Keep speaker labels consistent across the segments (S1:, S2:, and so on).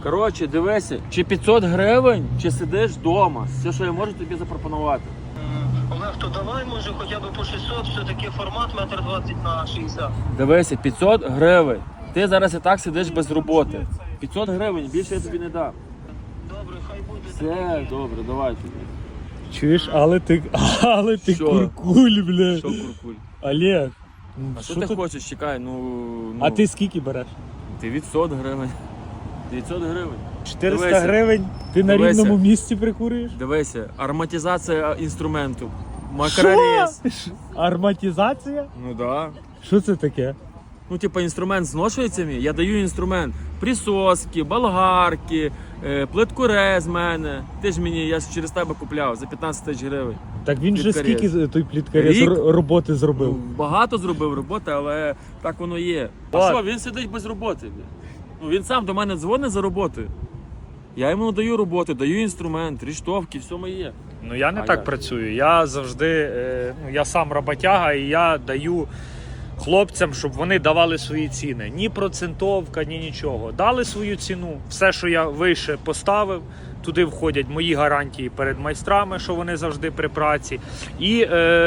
S1: Коротше, дивися, чи 500 гривень, чи сидиш вдома. Все, що я можу тобі запропонувати.
S2: Олег, то давай, може, хоча б по 600, все-таки формат 1,20 на 60.
S1: Дивися, 500 гривень. Ти зараз і так сидиш без роботи. 500 гривень, більше я тобі не дам.
S2: Добре, хай буде.
S1: Все, добре, давай тобі.
S3: Чуєш, але ти
S1: Що?
S3: куркуль, бля.
S1: Що, куркуль?
S3: Олег,
S1: А що ти хочеш? Чекай,
S3: А ти скільки береш?
S1: Ти від 100 гривень. 900 гривень.
S3: 400
S1: Дивися.
S3: гривень? Ти на
S1: Дивися.
S3: рівному місці прикурюєш?
S1: Дивися, ароматизація інструменту. Макрорез.
S3: Арматизація?
S1: Ну да.
S3: Що це таке?
S1: Ну, типа, інструмент зношується мій, я даю інструмент. Присоски, болгарки, плиткурез з мене. Ти ж мені, я ж через тебе купляв за 15 тисяч гривень.
S3: Так він же
S1: Пліткарез.
S3: скільки той пліткарез
S1: Рік?
S3: роботи зробив?
S1: Ну, багато зробив роботи, але так воно є. А
S3: Ладно.
S1: що, він сидить без роботи. Ну, він сам до мене дзвонить за роботою. Я йому даю роботу, даю інструмент, ріштовки, все моє.
S3: Ну я не
S1: А
S3: так
S1: як?
S3: працюю. Я завжди, я сам роботяга і я даю хлопцям, щоб вони давали свої ціни. Ні процентовка, ні нічого. Дали свою ціну. Все, що я вище поставив, туди входять мої гарантії перед майстрами, що вони завжди при праці. І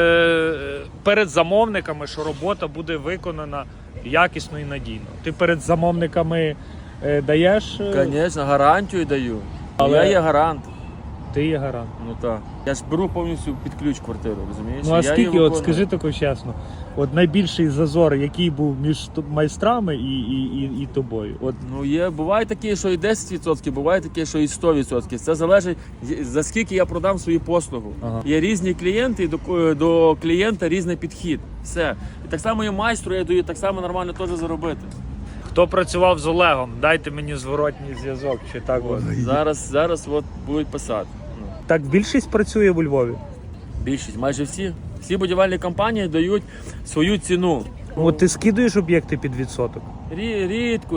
S3: перед замовниками, що робота буде виконана якісно і надійно. Ти перед замовниками даєш?
S1: Звісно, гарантію даю.
S3: Але-
S1: Я є гарант.
S3: Ти є гарант.
S1: Ну так. Я ж беру повністю під ключ квартиру, розумієш?
S3: Ну а
S1: Я її
S3: скільки, от
S1: виконую.
S3: скажи тако чесно, от найбільший зазор, який був між майстрами і тобою? От
S1: Ну, буває такі, що і 10%, буває такі, що і 100%. Це залежить, за скільки я продам свою послугу.
S3: Ага.
S1: Є різні клієнти, і до клієнта різний підхід. Все. І так само і майстру я даю так само нормально теж заробити.
S3: хто працював з Олегом, дайте мені зворотній зв'язок, чи так от.
S1: Зараз от будуть писати. Ну,
S3: Так більшість працює у Львові.
S1: більшість, майже всі. Всі будівельні компанії дають свою ціну.
S3: От ти скидуєш об'єкти під відсоток.
S1: Рідко.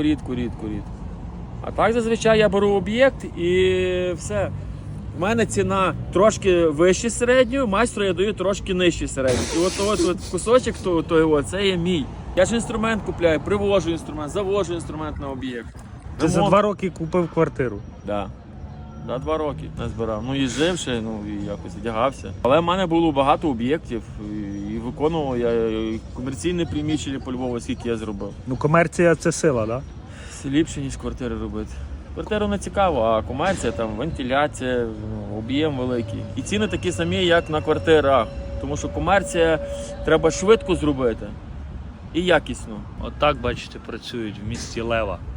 S1: А так зазвичай я беру об'єкт і все. В мене ціна трошки вище середньої, майстру я даю трошки нижче середньої. І от кусочок того, це є мій. Я ж інструмент купляю, привожу інструмент, завожу інструмент на об'єкт.
S3: Ти за 2 роки купив квартиру.
S1: Так. Да, 2 роки назбирав. Ну, їздив ще, і якось одягався. Але в мене було багато об'єктів і виконував я і комерційне приміщення по Львову, скільки я зробив.
S3: Ну комерція це сила, так?
S1: Все ліпше, ніж квартири робити. Квартиру не цікаво, а комерція, там вентиляція, об'єм великий. І ціни такі самі, як на квартирах. Тому що комерція треба швидко зробити і якісно.
S3: От так, бачите, працюють в місті Лева.